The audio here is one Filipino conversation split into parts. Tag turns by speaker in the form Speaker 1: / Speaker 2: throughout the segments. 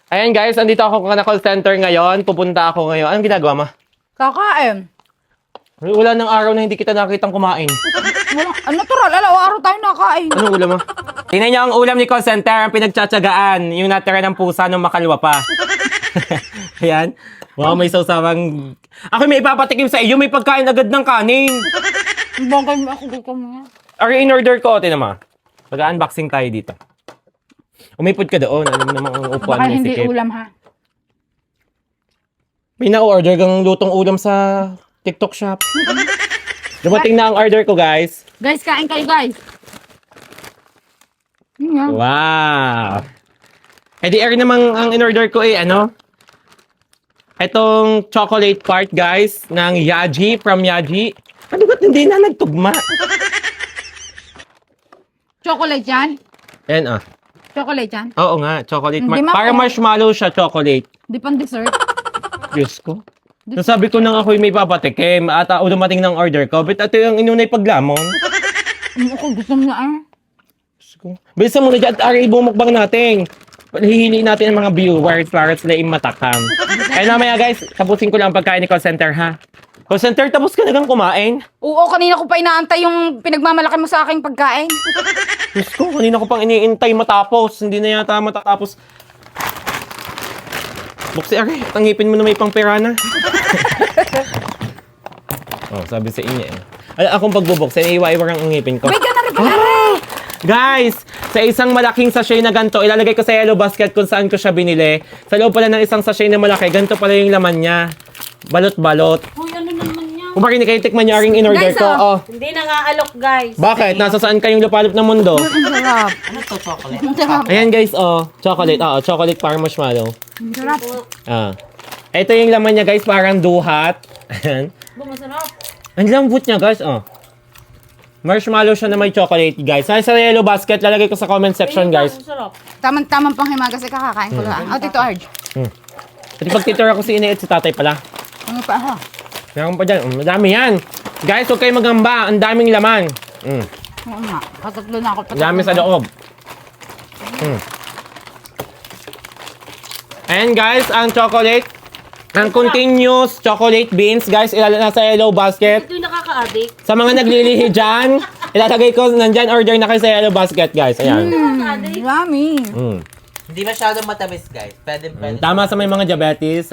Speaker 1: Ayan guys, andito ako na call center ngayon. Pupunta ako ngayon. Anong ginagawa mo?
Speaker 2: Kakain.
Speaker 1: Wala ng araw na hindi kita nakitang kumain.
Speaker 2: Natural, araw tayo nakain.
Speaker 1: Anong ulam mo? Tingnan niyo ang ulam ni call center, ang pinagtsatsagaan. Yung natira ng pusa nung makalwa pa. Ayan. Wow, may sawsawang... Ako may ipapatikim sa iyo, may pagkain agad ng kanin.
Speaker 2: Bangkay mo ako dito mo.
Speaker 1: Ari, in-order ko, tinan mo. Mag-unboxing tayo dito. Umipod ka doon. Alam mo namang upuan
Speaker 2: Baka
Speaker 1: mo
Speaker 2: hindi
Speaker 1: sikip.
Speaker 2: ulam ha.
Speaker 1: May na-order kang lutong ulam sa TikTok shop. Dumating na ang order ko, guys.
Speaker 2: Guys, kain kayo guys. Yun nga.
Speaker 1: Wow! Eh di Ari namang ang in-order ko ano? Itong chocolate part, guys, ng Yaji, from Yaji. Ano ba't hindi na nagtugma?
Speaker 2: Chocolate yan?
Speaker 1: Ayan,
Speaker 2: Chocolate yan?
Speaker 1: Oo nga, chocolate.
Speaker 2: Hindi
Speaker 1: Para marshmallow siya, chocolate.
Speaker 2: Di pang dessert?
Speaker 1: Diyos ko. Nasabi ko nang ako'y may papatikim at dumating ng order ko. But ito yung inunay paglamon.
Speaker 2: Ako gusto mo na
Speaker 1: Diyos ko. Bilisan mo na dyan at Ari, bumukbang natin. Hihili natin ang mga viewers para sila imatakam. Kaya namaya guys, tapusin ko lang ang pagkain ni call center ha. Call center, tapos ka nagang kumain?
Speaker 2: Oo, kanina ko pa inaantay yung pinagmamalaki mo sa aking pagkain.
Speaker 1: Diyos ko, kanina ko pang iniintay matapos. Hindi na yata matatapos. Buksi Ari, tangipin mo na may pang pirana. Oh, sabi sa inyo akong pagbubuksin, iwa-iwa ang ngipin ko.
Speaker 2: Wait ka na rin pala.
Speaker 1: Guys, sa isang malaking sachet na ganito, ilalagay ko sa yellow basket kung saan ko siya binili. Sa loob pala ng isang sachet na malaki, ganito pala yung laman niya. Balot-balot.
Speaker 2: Uy, ano naman yan?
Speaker 1: Kung bakit kayo tikman niyo aring in-order
Speaker 2: Guys,
Speaker 1: ko. Oh.
Speaker 3: Hindi na nga alok, guys.
Speaker 1: Bakit? Nasa saan kayong lupalop ng mundo?
Speaker 2: Ang sarap.
Speaker 3: Ano to, chocolate?
Speaker 2: Ang sarap.
Speaker 1: Ayan guys, chocolate. Chocolate para marshmallow.
Speaker 2: Ang sarap.
Speaker 1: Ito yung laman niya guys, parang duhat. Ayan.
Speaker 3: Masarap.
Speaker 1: Ang lambot niya guys, Marshmallow siya na may chocolate, guys. Nasa yellow basket, lalagay ko sa comment section, guys.
Speaker 3: Masarap.
Speaker 2: Tamang-tamang panghimagas ay kakakain ko lang. Tito Arj.
Speaker 1: At pagtitira ko si Inay at si Tatay pala.
Speaker 2: Ano pa ha?
Speaker 1: Meron pa dyan. Madami yan. Guys, huwag kayong magamba. Ang daming laman.
Speaker 2: Oo nga. Katatlo na ako.
Speaker 1: Ang dami sa loob. Ayan, guys, ang chocolate. Ang continuous chocolate beans, guys, nasa yellow basket.
Speaker 3: Ito yung nakaka-addict.
Speaker 1: Sa mga naglilihi dyan, ilalagay ko nandyan, order na kayo sa yellow basket, guys. Ayan.
Speaker 2: Yummy.
Speaker 4: Hindi masyadong matamis, guys. Pwede.
Speaker 1: Tama sa may mga diabetes.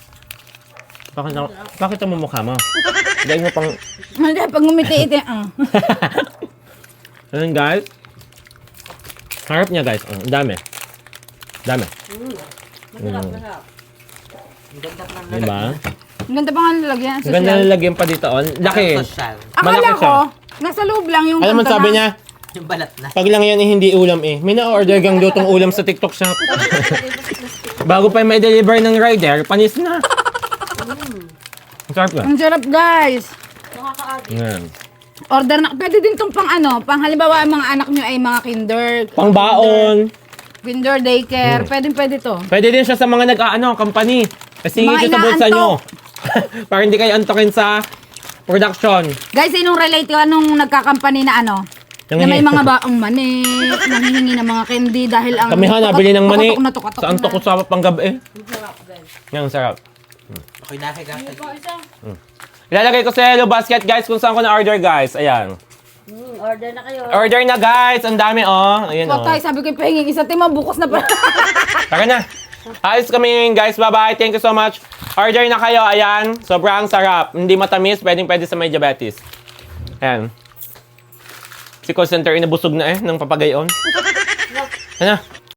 Speaker 1: Bakit ang mumukha mo? Dahil mo pang...
Speaker 2: Hindi, pag ngumiti ito.
Speaker 1: Ayan, guys. Harap niya, guys. Ang dami. Dami.
Speaker 3: Masarap.
Speaker 4: Ang ganda pa ng
Speaker 1: Diba?
Speaker 2: Ang ganda pa nga nalagyan.
Speaker 1: Ang ganda nalagyan pa dito. Laki.
Speaker 4: social.
Speaker 2: Akala
Speaker 1: malaki
Speaker 2: ko,
Speaker 1: siya.
Speaker 2: nasa loob lang yung...
Speaker 1: Alam mo,
Speaker 2: kanta
Speaker 1: sabi
Speaker 2: na-
Speaker 1: niya,
Speaker 4: Yung balat na.
Speaker 1: pag lang yan hindi ulam May na-order gang lutong ulam sa TikTok shop. Bago pa may deliver ng rider, panis na. Ang sarap ba?
Speaker 2: Ang sarap, guys.
Speaker 3: Nakaka-addict.
Speaker 1: Yan.
Speaker 2: Order na. Pwede din tong pang halimbawa, ang mga anak nyo ay mga
Speaker 1: Pang baon.
Speaker 2: kinder daycare. Pwede to.
Speaker 1: Pwede din siya sa mga company. Kasi
Speaker 2: Mga
Speaker 1: siya sa bulsa
Speaker 2: inaantok.
Speaker 1: nyo. Para hindi kayo antokin sa production.
Speaker 2: Guys, sinong relate ka nung nagkakampany na na may mga baong mani, nanghihingi ng mga candy dahil ang...
Speaker 1: Kami nabili ng mani.
Speaker 2: Tukatok
Speaker 1: Sa antok ko sa panggabi.
Speaker 3: Masarap, guys.
Speaker 1: Yan, sarap.
Speaker 4: Ako'y nakikita.
Speaker 1: Ilalagay ko sa yellow basket, guys, kung saan ko na-order, guys. Ayan.
Speaker 3: Order na kayo.
Speaker 1: Order na, guys. Ang dami, Ayan,
Speaker 2: Patay, sabi ko pahingin isa tema, bukas na pa.
Speaker 1: Tara na. Ayos kami ngayon, guys. Bye-bye. Thank you so much. Order na kayo. Ayan. Sobrang sarap. Hindi matamis. Pwede sa may diabetes. Ayan. Si call center inabusog na ng papagayon. Ano?